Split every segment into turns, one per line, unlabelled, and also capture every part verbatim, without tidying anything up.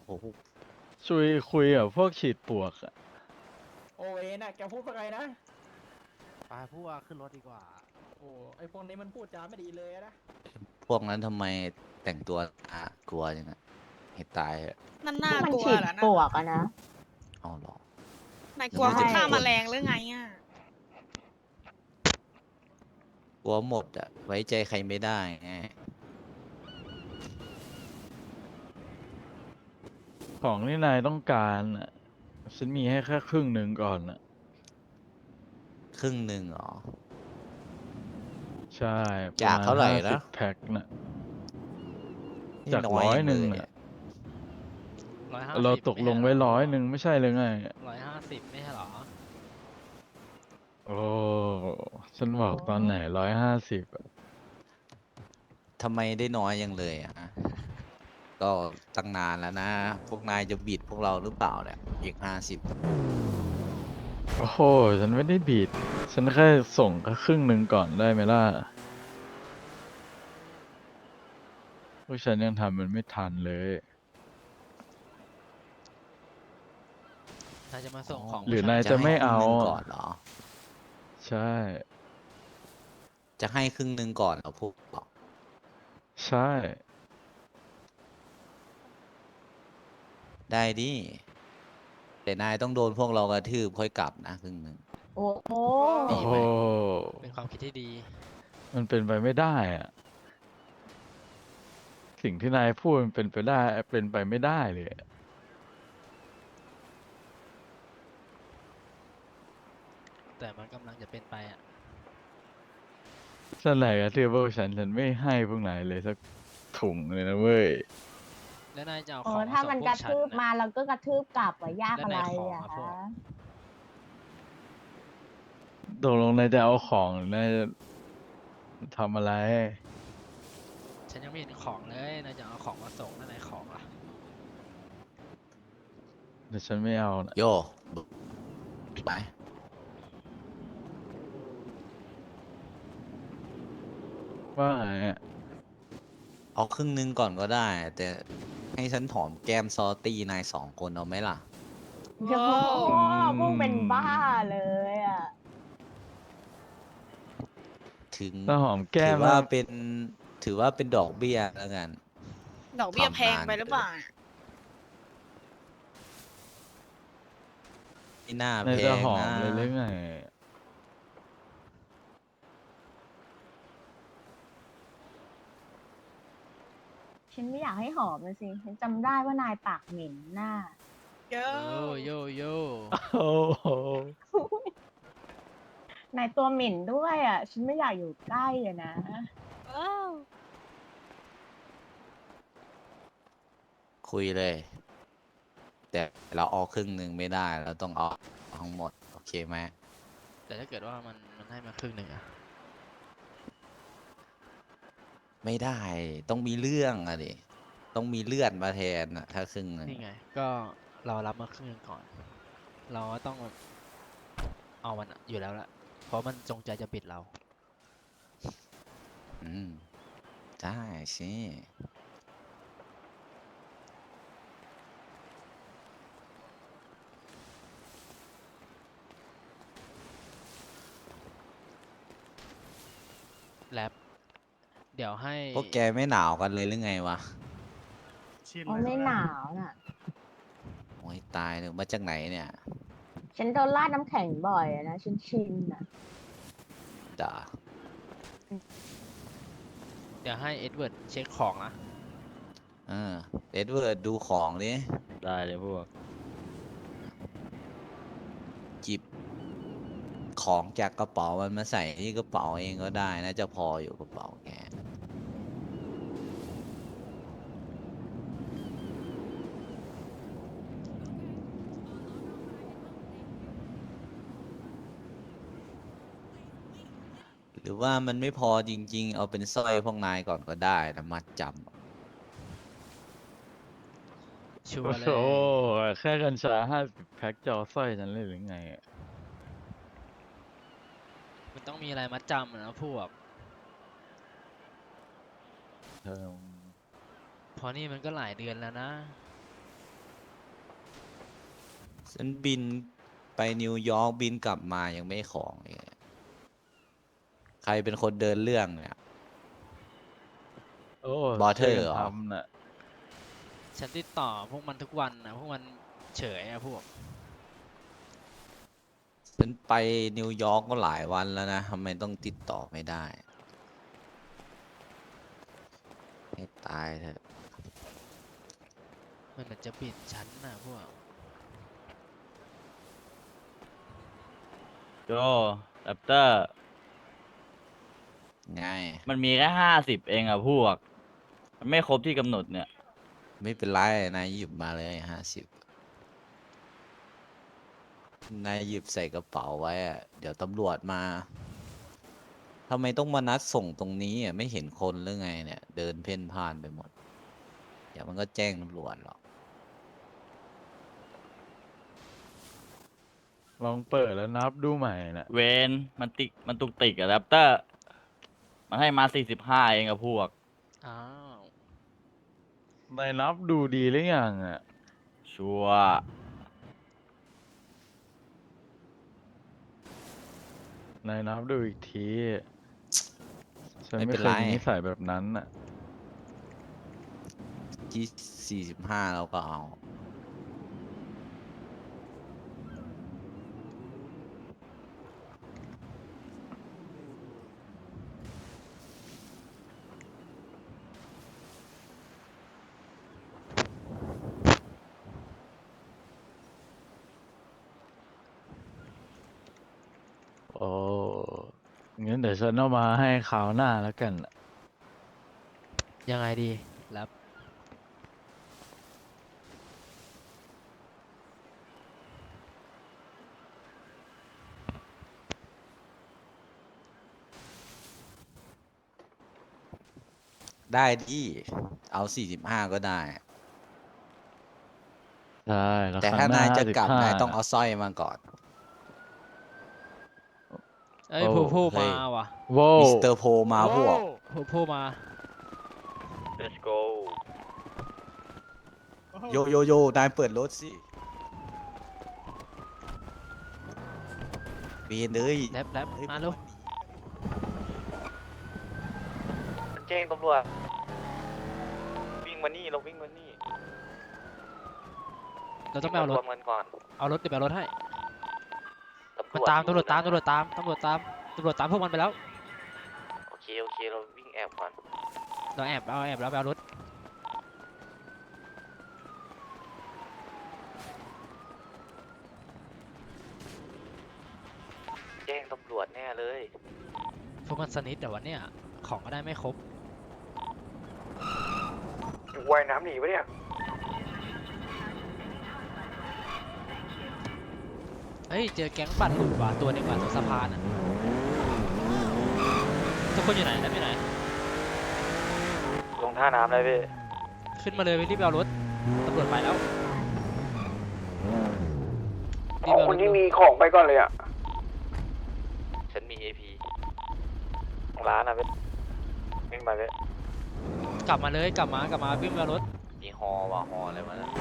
โอ้โห
ชุยคุยกับพวกฉีดปลวกอะ
โอเวนน่ะแกพูดว่าไงนะ
ไปพูดว่าขึ้นรถดีกว่า
โอ้ไอพวกนี้มันพูดจาไม่ดีเลยนะ
พวกนั้นทำไมแต่งตัวน่ากลัวจังอะให้ตายเหอะ
นั่น
พ
น่าว
กมัน
กลัว
ฉีด
เหรอ
ปล
นะ
วกอะนะ
เอาหรอ
นายกลัว
ใช่
คือฆ่าแมลงหรือไงอ่ะ
กลัวหมดอะไว้ใจใครไม่ได้ไง
ของที่นายต้องการอะฉันมีให้แค่ครึ่งหนึ่งก่อนอะ
ครึ่งหนึ่งเหรอ
ใช่ประ
จาก
มาณ
เท่าไหร่
ห้าสิ
นะ
บแพ็คน่ะ
นี่
จาก
น้อย
ร้อย
จัง
หนึ่ง
เลย
อะ
อะ
ร้อยห้า
เรา
สิบ
ตกลงไว้ร้อยหนึ่งไม่ใช่เลยไง
ร้อยห้าสิบไม่ใช่เหรอ
โอ้ฉันบอกตอนไหนร้อยห้าสิบ
ทำไมได้น้อยยังเลยอะก็ตั้งนานแล้วนะ พวกนายจะบิดพวกเราหรือเปล่าเนี่ยอีกห้าสิบ
โอ้โห ฉันไม่ได้บีดฉันแค่ส่งแค่ครึ่งหนึ่งก่อนได้ไหมล่ะพวกฉันยังทำมันไม่ทันเลย
นายจะมาส่งของ
หรือ
ผู้ช
นาย
จะ
จะ
ให้
ไม่
ครึ่ง
เอา
หนึ่ง
อะ
ก่อนเหรอ
ใช่
จะให้ครึ่งหนึ่งก่อนเหรอพวกเรา
ใช่
ได้ดิแต่นายต้องโดนพวกเรากระทืบค่อยกลับนะครึ่งหนึ่ง
โอ้โห
โอ้โห
เป็นความคิดที่ดี
มันเป็นไปไม่ได้อะสิ่งที่นายพูดมันเป็นไปได้ เป็นไปไม่ได้เลยอะ
แต่มันกำลังจะเป็นไปอ่ะ
ฉันไหนกระทืบพวกฉันฉันไม่ให้พวกนายเลยสักถุงเลยนะเว้ย
แล้วนายจะเอา
เอ
ขอ
อง
มา
ถ้า
ส่ง
มัน
พ
ก
ว
ระ
กฉัน
ทืบ
น่ะ
มาเราก็กระทืบกลับอะยาก
แล้ว
อะไร
นายขอ
อะ
มาพว
คะ
ก
ตกลงนายจะเอาของหรือนายจะทำอะไร
ฉันยังไม่เห็นของเลยนายจะเอาของมาส่งแล้วนายของล่ะ
แต่ฉันไม่เอานะ
โยไป
ว่าไงอะ
เอาครึ่งหนึ่งก่อนก็ได้ แต่ให้ฉันหอมแก้มซอตี้นายสองคนเอาไหมล่ะ
โอ้โหพวกเป็นบ้าเลยอะ
ถึง
ถ้าหอมแก้
ถื
ม
อว่า
แล้ว
เป็นถือว่าเป็นดอกเบี้ยแล้วกัน
ดอกเบี้ย
ทำ
แพง
นาน
ไปหรือเปล่า
ไม่น่าแพ
นายจะ
ง
หอม
นะ
เลยหรือไง
ฉันไม่อยากให้หอมเลยสิ ฉันจำได้ว่านายปากเหม็นหน้า
เยอ
โย
ะ
โยโย
โอ้โห
นายตัวเหม็นด้วยอะฉันไม่อยากอยู่ใกล้อะนะ
ว้าว
คุยเลย แต่เราเอาครึ่งหนึ่งไม่ได้ เราต้องเอาทั้งหมด โอเคไหม
แต่ถ้าเกิดว่ามันมันให้มาครึ่งหนึ่งอะ
ไม่ได้ ต้องมีเรื่องอะดิ ต้องมีเลือดมาแทนอะถ้าครึ่งหนึ่ง
นี่ไง ก็เรารับมาครึ่งหนึ่งก่อน เราก็ต้องเอามันอยู่แล้วละเพราะมันจงใจจะบิดเรา
อืม ได้สิ
แลบเดี๋ยวให้
พวกแกไม่หนาวกันเลยหรือไงวะ
อ๋อไม่หนาวน่ะ
โอ้ยตายเลยมาจากไหนเนี่ย
ฉันโดนราดน้ำแข็งบ่อยอะนะ ฉันชินอะ
ด่า
เดี๋ยวให้เอ็ดเวิร์ดเช็คของนะ
เออเอ็ดเวิร์ดดูของดิ
ได้เลยพวก
จิบของจากกระเป๋ามันมาใส่ที่กระเป๋าเองก็ได้นะจะพออยู่กระเป๋าแก หรือว่ามันไม่พอจริงๆ เอาเป็นสร้อยพวกนายก่อนก็ได้นะมัดจำ
ชัว
โอ้
ร์เล
โห
ย
แค่กัญชาห้าสิบแพ็คจะเอาสร้อยฉันเลยหรือไงอะ
มันต้องมีอะไรมัดจำอะนะพวก
เธอ
เพราะนี่มันก็หลายเดือนแล้วนะ
ฉันบินไปนิวยอร์กบินกลับมายังไม่ของเลยใครเป็นคนเดินเรื่องเนี่ย
โอ้
บอเทอร์
ช่วยกัน
เหรอ
ทำน่ะ
ฉันติดต่อพวกมันทุกวันนะพวกมันเฉยอะพวก
ฉันไปนิวยอร์กก็หลายวันแล้วนะทำไมต้องติดต่อไม่ได้ ให้ตายเถอะ
มันเหมือนจะบิดฉันนะพวก
โจแรปเตอร์
ไง
มันมีแค่ห้าสิบเองอะพวก มันไม่ครบที่กำหนดเนี่ย
ไม่เป็นไรนายหยิบมาเลยห้าสิบนายหยิบใส่กระเป๋าไว้อะเดี๋ยวตำรวจมาทำไมต้องมานัดส่งตรงนี้อ่ะไม่เห็นคนหรือไงเนี่ย เดินเพ่นพ่านไปหมด เดี๋ยวมันก็แจ้งตำรวจหรอก
ลองเปิดแล้วนับดูใหม่น่ะ
เวนมันติกมันตุกติกอะแรปเตอร์ มันให้มาสี่สิบห้าเองอะพวก
อ้าว
นายนับดูดีหรือยังอ่ะ
ชัวร์
นายนับดูอีกทีฉัน
ไม่
ไม่
เป็น
เค
ไร
ยมีนิสัยแบบนั้นอ่ะ
ที่สี่สิบห้าเราก็เอา
โอ้งั้นเดี๋ยวฉันเอามาให้คราวหน้าแล้วกันน่ะ
ยังไงดีรับ
ได้ที่เอาสี่สิบห้าก็ได้
ใช่แล้ว
แต่
ครั้
ถ้าง
หน้าน
ายจะกลับ
ห้าสิบห้
นายต้องเอาสร้อยมาก่อน
เอ้ย
โอ้
ผู้ผู้
เฮ้
มาย ว่ะ
โว้
มิสเตอร์โพมาพวก
ผู้ผู้มา
let's go
โยโยโยนายเปิดรถสิเบียนเลย
แรปแรป
เฮ้ย
มาลูก
แจ้งตำรวจ วิ่งมานี่ เราวิ่งมานี่
เราต้องไปเอารถ
วมกันก่อน
เอารถเดี๋ยวไปเอารถให้
ตำร
มัน
วจ
ตามตำรวจตาม
อยู่
ตำรวจตามตำรวจตามตำรวจตามพวกมันไปแล้ว
โอเค โอเค เราวิ่งแอบก่อน
เราแอบเอาแอบแล้วไปเอารถ
แจ้งตำรวจแน่เลย
พวกมันสนิทแต่วันเนี้ยของก็ได้ไม่ครบ
ว่ายน้ำหนีปะเนี่ย
เฮ้ยเจอแก๊งบัตรหลุดว่ะตัวหนึงว่ะตรงสะพานอ่ะทุกคนอยู่ไหนแล้วอยู่ไหน
ลงท่าน้ำเลยพี่
ขึ้นมาเลยไปรีบไปเอารถตำรวจไปแล้ว
ขอคนที่มีของไปก่อนเลยอ่ะ
ฉันมี เอ พี ร้านอะพี่วิ่งไปพี่
กลับมาเลยกลับมากลับมาวิ่งไปเอารถ
มีฮอว่ะฮออะไรมาแล้ว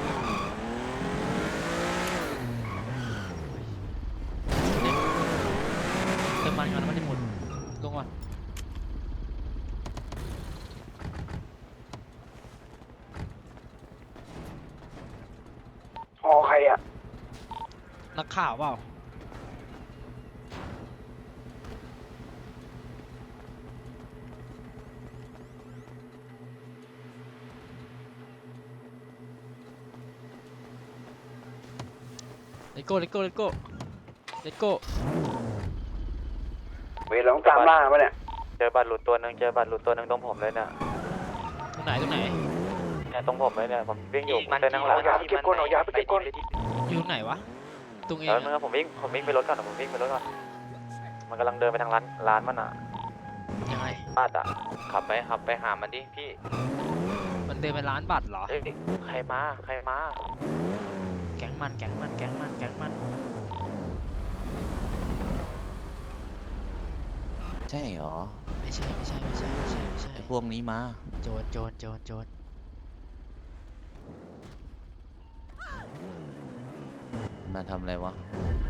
เติมมันก่อนน้ำมันจะหมดลงก่อน
หอใครอ่ะ
นักข่าวเปล่าเลโก้เลโก้เลโก้เลโก้
เวรเราต้องตามล่าปะเนี่ย
เจอบัตรหลุดตัวหนึ่งเจอบัตรหลุดตัวหนึ่งตรงผมเลยเนี่ย
ตรงไหนตรงไหน
เนี่ยตรงผมเลยเนี่ย ผมวิ่งอยู่
มัน
เส้นนั่งหลัง
เอายาไปเก็บก่อนเอายาไปเก็บก่อน
อยู่ตรงไหนวะตรงเอง
แล้ว
อะ
นึงนะผมวิ่งผมวิ่งไปรถก่อนผมวิ่งไปรถก่อน มันกำลังเดินไปทางร้านร้านมันอ่ะ
ยังไง
บ้านอ่ะ ขับไปขับไปหามันดิพี่
มันเดินไปร้านบัตรเหรอ
เฮ้ยใครมาใครมา
แก๊งมันแก๊งมันแก๊งมันแก๊งมัน
ใช่เหรอ
ไม่ใช่ไม่ใช่ไม่ใช่ไม่ใช่ไม่ใช่
ไอ้พวกนี้มา
โจรโจรโจรโจร
ทำไมมาทำอะไรวะ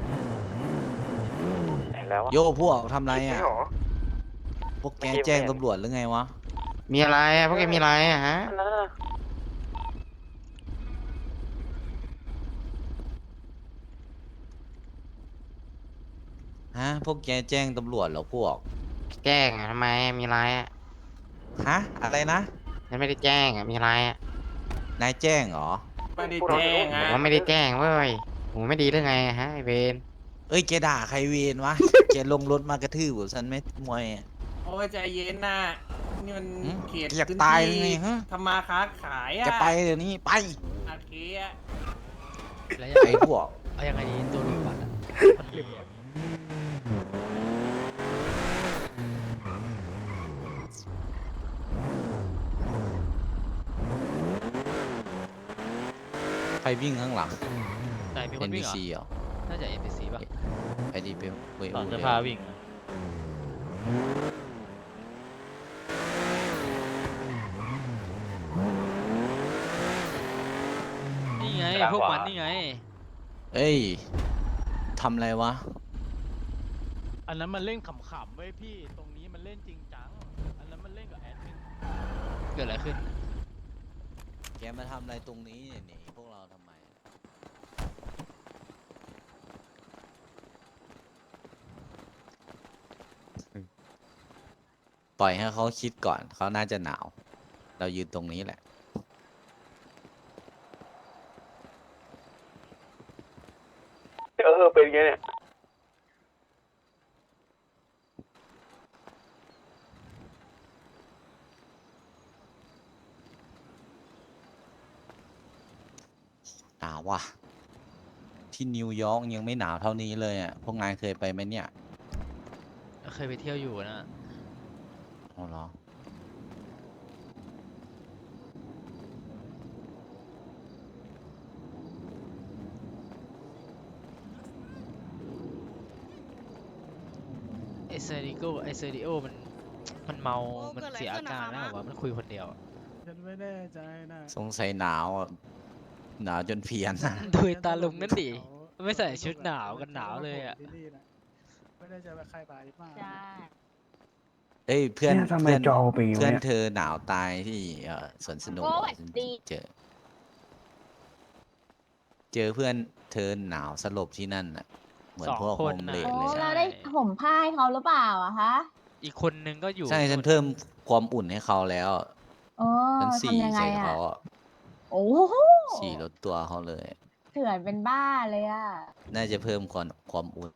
เห็นแล้ววะ
โยพวกทำอะไร
ไม่
อ่ะ
หรอ
พวกแก
เมื่อกี้
แจ้ง
ไม่เห็น
ตำรวจหรือไงวะ
มีอะไรอ่ะพวกแกมีอะไรอ่ะฮะ
นั่นน่ะ
ฮะ พวกแกแจ้งตำรวจเหรอพวก
แจ้งอ่ะทำไมอ่ะมีอะไรอ่ะ
ฮะ อะไรนะ
ฉันไม่ได้แจ้งอ่ะมีอะไรอ่ะ
นายแจ้งเหรอ
ไม่ได้แจ้ง
บ
อ่ะ
อกว่าไม่ได้แจ้งเว้ยหูไม่ดีหรือไงอะฮะไอเวน
เอ้ย แกด่าใครเวรวะ แกลงรถมากระทืบผมฉันไม่มวยอะ
โอ้ยใจเย็นนะนี่มัน
หืม
เขต
อยาก
พื้น
ตาย
ที่
หรือไงฮะ
ทำมาค้าขายอ่ะ
แกไปเดี๋ยวนี้ไป
โอเคอ่ะ
แล้วยัง
ไอ้
ไง
พวก
เอายังไงดีตัวรูปบัตรอะมันเหลี่ยม
ใครวิ่งข้างหลัง
ไหนมีคนวิ่งเหรอ
เอ็น บี ซี เหรอ
น่าจะ เอ็น พี ซี ป่ะ
ไปดีไปเว
ตอนจะพาวิ่งอะ
นี่ไง พวกมันนี่ไง
เอ้ยทำอะไรวะ
อันนั้นมันเล่นขำๆเว้ยพี่ ตรงนี้มันเล่นจริงจัง อันนั้นมันเล่นกับแอดมิน
เกิดอะไรขึ้น
แกมาทำอะไรตรงนี้เนี่ยหนีพวกเราทำไม ปล่อยให้เขาคิดก่อน เขาน่าจะหนาว เรายืนตรงนี้แหละ
เออเป็นไงเนี่ย
หนาวว่ะ ที่นิวยอร์กยังไม่หนาวเท่านี้เลยอ่ะ พวกนายเคยไปไหมเนี่ย
เคยไปเที่ยวอยู่นะ
อ๋อเหรอ
ไอเซริโกไอเซริโอมัน มันเมา
โอ้
มัน
เกิดอะไร
เสียอา
ขึ้นอะ
การ
คะ
แล้ว
ม้า
วะมันคุยคนเดียวอะ
ฉันไม่แน่ใจนะ
สงสัยหนาวอะหนาวจนเพี้ยนอะ
ดูไอ้ตาลุงนั่นดิ ไม่ใส่ชุดหนาวกันหนาวเลยอะ
ที่นี่นะไม่ได้จะไปใครไปมาก
ใช่
เอ้ยเพื่อน
เนี่ยทำไม
เพื่อน
จอเป็นอย่าง
เพื่อน
เงี้ย
เธอหนาวตายที่เอ่อสวนสนุก
โอ้
อะ
ย
ฉัน
ดี
เจอ เจอเพื่อนเธอหนาวสลบที่นั่นน่ะ เหมือน
สอง
พวก
ค
โฮ
น
ม
น่ะ
เลด
โอ้
เลย
ใช่
เราได้ห่มผ้าให้เขาหรือเปล่าอะคะ
อีกคนนึงก็อยู่
ใช่ฉัน
นู่น
เพิ่มความอุ่นให้เขาแล้ว
โอ้
ฉันสี่
ทำยังไง
ใส่
อะ
เขาอะ
โอ้โห
สี่ลดตัวเขาเลย
เถื่อนเป็นบ้าเลยอะ
น่าจะเพิ่มความความอุ่น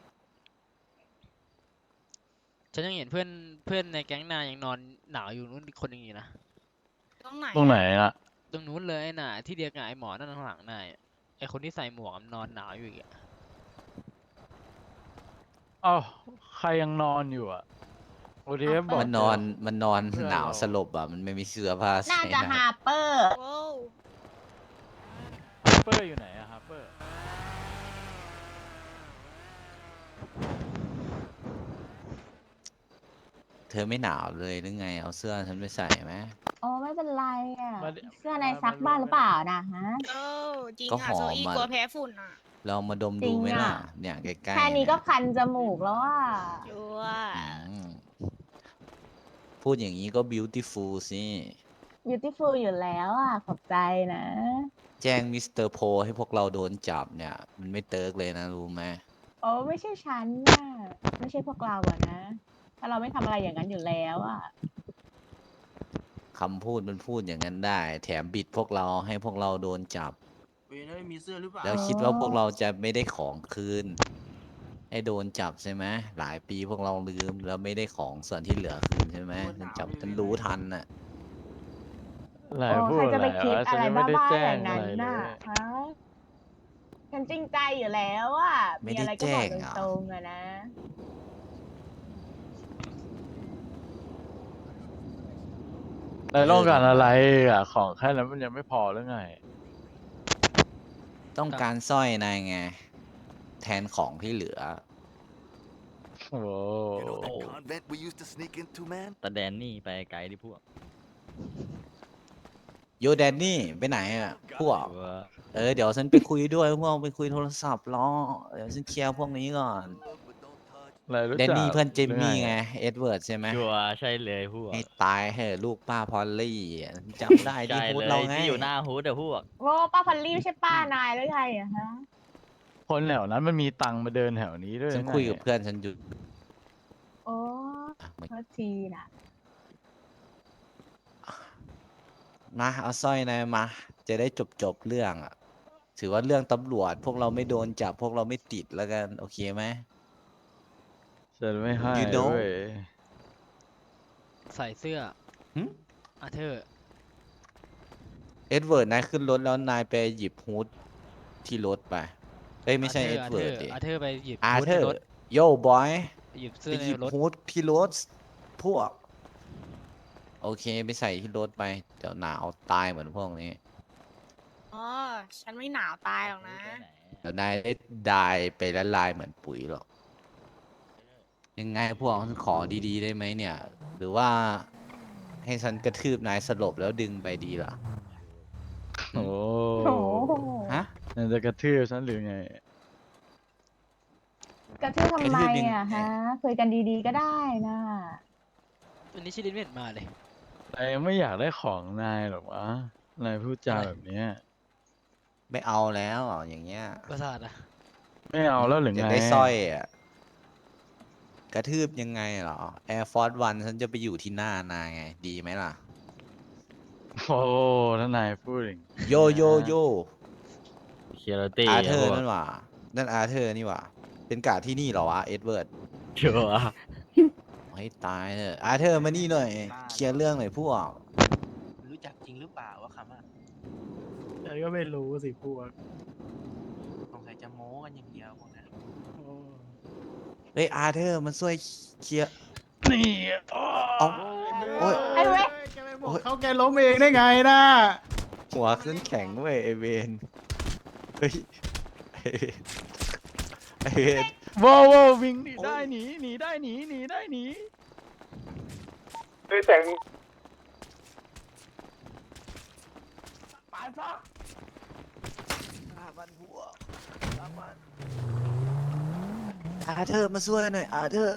ฉันยังเห็นเพื่อนเพื่อนในแก๊งนายยังนอนหนาวอยู่นู่นอีกคนหนึงอยู่นะ
ตรงไหน
ตรงไหนล่ะ
ตรงนู้นเลยน่ะ ที่เดียวกับไอ้หมอนั่นข้างหลังนายอะไอ้คนที่ใส่หมวกมันนอนหนาวอยู่อีกอะ
เอ้าใครยังนอนอยู่อ่ะโอทีเอฟบอก
มันนอนมันนอน
เพื่อน
หนาว
เรา
สลบอ่ะ มันไม่มีเสื้อผ้า
น่า
ใส่
จะ
นะ
ฮาร์เปอร์
โว้ว
เปอร์อยู่ไหนอะครับเปอร์
เธอไม่หนาวเลยหรือไง เอาเสื้อฉันไปใส่ไหม
โอ้ไม่เป็นไรอะ
มา
เสื้อในซักบ้านหรือเปล่านะฮะ
เออจริง
ก็
อ่ะ
หอ
โซ
ม
อี้
อะ
กลัวแพ้ฝุ่นอ่ะ
ลองมาดม
จริ
ดู
ง
ไหม
อะ
ล่ะ เนี่ยใกล้ๆ
แค่นี้ก็
เย
คันจมูกแล้วอะ
ชัว
อืมพูดอย่างนี้ก็ beautiful สิ
beautiful อยู่แล้วอะขอบใจนะ
แจ้งมิสเตอร์โพให้พวกเราโดนจับเนี่ย มันไม่เติร์กเลยนะ รู้ไหม
โอ้ไม่ใช่ฉันน่ะไม่ใช่พวกเราอะนะถ้าเราไม่ทำอะไรอย่างนั้นอยู่แล้วอะ
คำพูดมันพูดอย่างนั้นได้ แถมบิดพวกเราให้พวกเราโดนจับ
เวยนมีเสื้อหรือเปล่า
แล้วคิดว่าพวกเราจะไม่ได้ของคืน ให้โดนจับใช่ไหมหลายปีพวกเราลืมแล้วไม่ได้ของส่วนที่เหลือคืนใช่ไหมฉันจับฉันรู้ทันน่ะ
อะไร
โอ้
พูด
ใคร
อะ
จะ
ไร
ไปคิด
วะฉั
อะ
น
ไร
ยังไม่ได้
บ้าๆ
แจ้
อง ย่าง
อะ
นั้น
ไรเล
น่ะ
ย
ฮะฉันจริงใจอยู่แล้วอะ
ไม่
มี
ได้
อะไรก็บอก
แจ้งอะ
ตรงๆอะนะ
นายต้องการอะไรอ่ะ ของแค่นั้นมันยังไม่พอหรือไง
ต้องการสร้อยนายไง แทนของที่เหลือ
โอ้โห
You know that convent we used to sneak into, man?
แต่แดนนี่ไปไกลดิพวก
โยโยแดนนี่ไปไหนอ่ะพวกเออเดี๋ยวฉันไปคุยด้วยพวกไปคุยโทรศัพท์รอเดี๋ยวฉันเคลียร์พวกนี้ก่อน
อะไรรู้
แดน
จัก
นี่เพื่อนเจมมี่
หรือ
ไงเอ็ดเวิร์ดใช่ไหม
ชัวร์ใช่เลยพวก
ให้ตายเหอะลูกป้าพอลลี่อะจำได้ที่
ใช่
พูด
เลย
เราไง
ที่อยู่หน้าฮูดอะพวก
โอ้ป้าพันลี่ไม่ใช่ป้านายแล้วไงอะฮะ
คนแถวนั้นมันมีตังค์มาเดินแถวนี้ด้วย
ฉัน
ไง
คุยกับเพื่อนฉันอยู่
โอ้โทษทีนะ
มาเอาสร้อยนายมา จะได้จบจบเรื่องอ่ะ ถือว่าเรื่องตำรวจ พวกเราไม่โดนจับพวกเราไม่ติดแล้วกัน โอเคไหม
ฉันไม่ให้
You know
เว้ย
ใส่เสื้อ
หึ
อาเธอร์
เอ็ดเวิร์ดนายขึ้นรถแล้วนายไปหยิบฮูดที่รถไปเอ้ยไม่ใช่เอ็ด
อา
เวิ
เธอ
ร์ด
ร์
ดิ
อาเธอร์ไปหยิบ
อา
ฮู้ด
เธอ
ใน
ร์
รถ
โย่บอย
หยิบ
ไป
เสื้อ
ห
ใน
ยิบ
รถ
ฮูดที่รถพวก โอเคไปใส่ที่รถไป เดี๋ยวหนาวตายเหมือนพวกนี้
อ๋อ ฉันไม่หนาวตายหรอกนะ
เดี๋ยวนายได้ดายไปละลายเหมือนปุ๋ยหรอก ยังไงพวกขอดีๆได้ไหมเนี่ย หรือว่าให้ฉันกระทืบนายสลบแล้วดึงไปดีล่ะ
โอ้
โอ้โห
ฮะ
นั่นจะกระทืบฉันหรือไง
กระทืบทำไม
กระทืบยังไง
อะฮะคุยกันดีๆก็ได้นะ
วันนี้ชิลินไม่เห็นมาเลย
นายไม่อยากได้ของนายหรอกวะ นายพูดจา
อะไร
แบบเนี้ย
ไม่เอาแล้วอย่างเงี้ย
ประสาทอะ
ไม่เอาแล้วหรือ
จะ
ไง
ได้สร้อยอ่ะ กระทืบยังไงเหรอ Air Force One ฉันจะไปอยู่ที่หน้านายไง ดีไหมล่ะ
โอ้ถ้านายพูดอย่างนี้
โยโยโย
เคียร์ตี้
อาเธอร์
พวก
นั่นหว่า นั่นอาเธอร์นี่หว่า เป็นกาดที่นี่เหรอวะ เอ็ดเวิร์ด
ชัวร์
ให้ตายเถอะอาเธอร์มานี่หน่อย เคลียร์เรื่องหน่อยพวก
รู้จักจริงหรือเปล่าว่าคำอ่ะฉันก็ไม่รู้สิพวกสงสัยจะโม้กันอย่างเดียวพวกนั้น
เฮ้ยอาเธอร์มันช่วยเคลียร์
นี่
เอาโอ้ย
ไอ้เว้ย
แกไปบอกเขาแกล้มเองได้ไงนะ
หัวขึ้นแข็งเว้ยไอเวนเฮ้ยไอ้เวนไอเวน
ว้าวว้าววิ่งหนีได้หนีหนีได้หนีหนีได้หนี
เฮ้ยแต่ง
ปานฟ้า
อาบันหัวอาบันอาเธอร์มาช่วยหน่อยอาเธอร์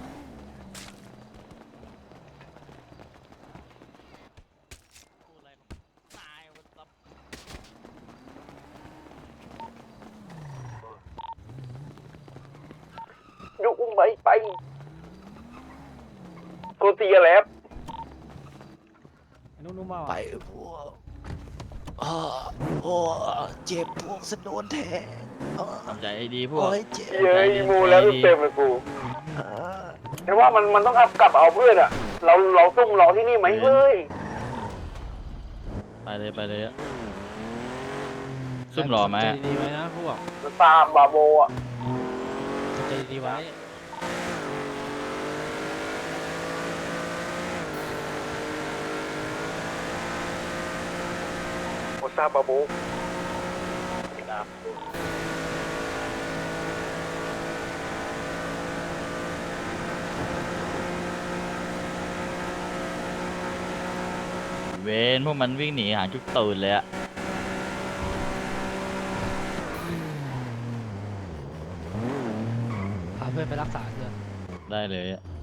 ยุอุ้มไปไปกูตีกันแล้ว
นุ่มๆมา
ไปพวกอ้อโอ้เจ็บพวกสะโดนแทงอ้อ
ทำใจให้ดีพวก
โอ้ยเจ็บ
เย้ยมูแล้วเต็มเลยกู
อ่า
แต่ว่ามันมันต้องเอากลับเอาเพื่อนอะเราเราซุ่มรอที่นี่ไหมเฮ้ย
ไปเลยไปเลยอะซุ่มรอไหม
ใจ
อะ
ดีๆไว้นะพวก
มันตามบาโบอะ
ใจดีๆไว้
โอซาบาโบ
เวนพวกมันวิ่งหนีหางจุกตูนเลยอะ
พาเพื่อนไปรักษาเถอะ
ได้เลยอะ